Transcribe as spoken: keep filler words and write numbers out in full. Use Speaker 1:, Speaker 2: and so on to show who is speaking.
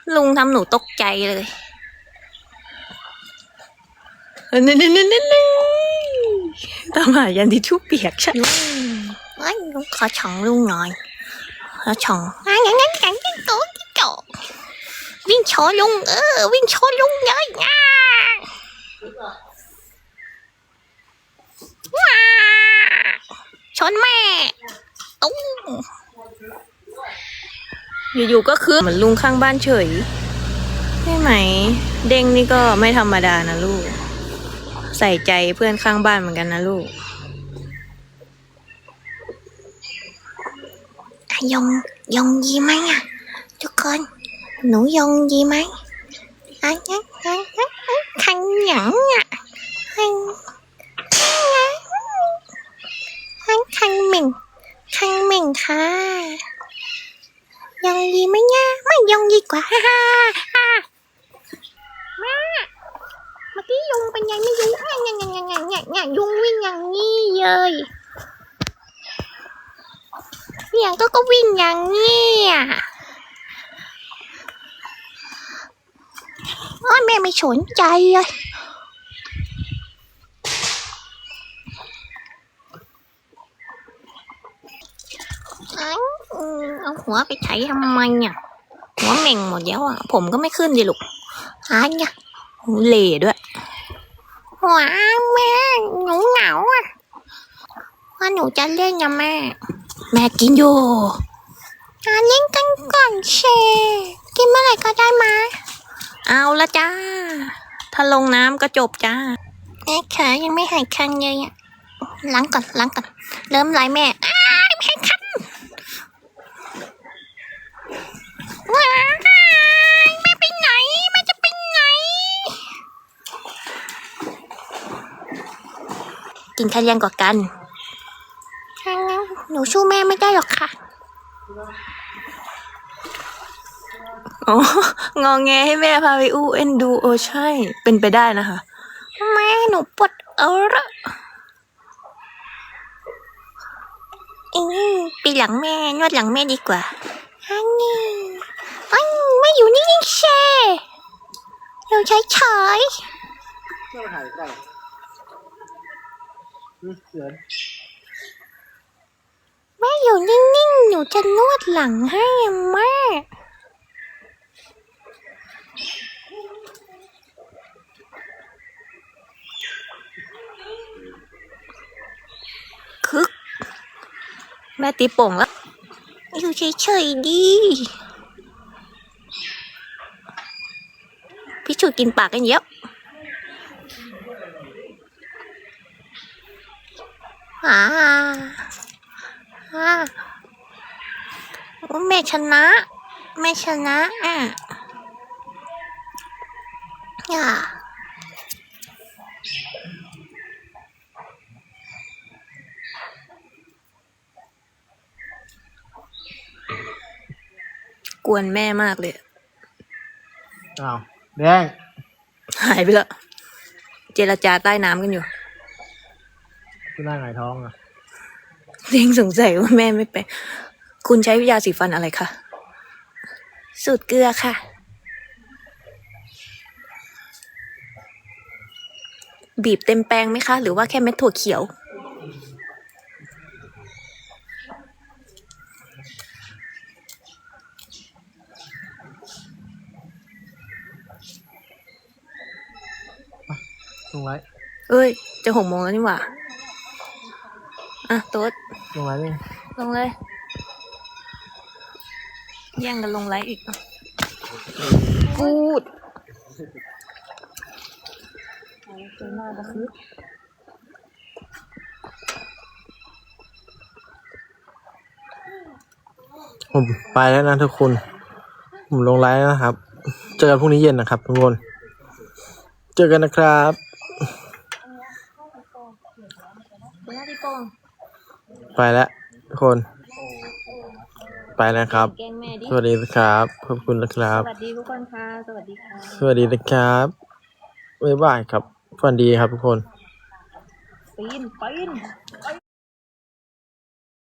Speaker 1: ลุงทำหนูตกใจเลยนี่นี่นี่นี่ตามหายันทิชชู่เปียกใช่ลุงเอ้ยลุงขอช่องลุงหน่อยขอช่องงั้นงั้นงั้นงั้นงั้นโตกิ๊กโตวิ่งชอลุงเออวิ่งชอลุงเลยง่าว้าชนแม่ตุ้งอยู่ๆก็คือเหมือนลุงข้างบ้านเฉยใช่ไหมเด้งนี่ก็ไม่ธรรมดานะลูกใส่ใจเพื่อนข้างบ้านเหมือนกันนะลูกยงยงยีไหมอ่ะทุกคนหนูยงยีไหมอ่ะงั้นงั้นงั้นขันหยังอ่ะขันขันขันเหม่งขันเหม่งค่ะยงยีไหมเนี่ยไม่ยงยีกว่าฮ่าฮ่าฮ่าแม่เมื่อกี้ยุงเป็นยังไม่ยุงอ่ะเนี่ยเนี่ยเนี่ยเนี่ยเนี่ยยุงวิ่งอย่างนี้เลยเนี่ยก็ก็วิ่งอย่างนี้อ่ะโอ้ยแม่ไม่สนใจเลยเอาหัวไปไถทำไมเนี่ยหัวเหม่งหมดแล้วอ่ะผมก็ไม่ขึ้นดิลูกอ่ะเนี่ยเหล่ด้วยหัวแม่หนูเหงาอ่ะว่าหนูจะเล่นนะแม่แม่กินอยู่อ่ะเล่นกันก่อนเชกินเมื่อไหร่ก็ได้มาเอาละจ้าถ้าลงน้ำก็จบจ้าแม่ขายังไม่หายคันเลยอ่ะล้างก่อนล้างก่อนเริ่มไหลแม่อ้ายไม่หายคันว้ายแม่ไปไหนแม่จะไปไหนกินข้าวยังกว่ากันหนูสู้แม่ไม่ได้หรอกค่ะอ๋องอแงให้แม่พาไปอู้เอ็นดูเออใช่เป็นไปได้นะคะแม่หนูปวดเออละอืมปีหลังแม่นวดหลังแม่ดีกว่าฮันนี่อันไม่อยู่นิ่งๆเช่อยู่เฉยๆแม่ถ่ายใกล้นี่เกินแม่อยู่นิ่งๆหนูจะนวดหลังให้แม่คึกแม่ตีโป่งแล้วอยู่เฉยๆดีพี่ชูกินปากกันเยอะอ่าอ่าแม่ชนะแม่ชนะอ่ะอ่ากวนแม่มากเลย
Speaker 2: อ้าวแดง
Speaker 1: หายไปแล้วเจรจาใต้น้ำกันอยู่
Speaker 2: คุณน่าหงายท้องอ่ะ
Speaker 1: เด้งสงสัยว่าแม่ไม่ไปคุณใช้ยาสีฟันอะไรคะสูตรเกลือค่ะบีบเต็มแปรงไหมคะหรือว่าแค่เม็ดถั่วเขียว
Speaker 2: ลงไว้
Speaker 1: เอ้ยจะหกโมงแล้วนี่หว่าอ่ะโต๊ด
Speaker 2: ลงไว้นี่
Speaker 1: ลงเลยแย่งกันลงไลฟ์อีกพูด
Speaker 2: ผมไปแล้วนะทุกคนผมลงไลน์แล้วนะครับเจอกันพรุ่งนี้เย็นนะครับทุกคนเจอกันนะครับไปแล้วทุกคนไปแล้วครับสวัสดีครับขอบคุณนะครับ
Speaker 1: สวัสดีทุกคนค่ะสวัสดีค่ะ
Speaker 2: สวัสดีนะครับบ๊ายบายครับฝันดีครับทุกคน
Speaker 1: ปีนปีน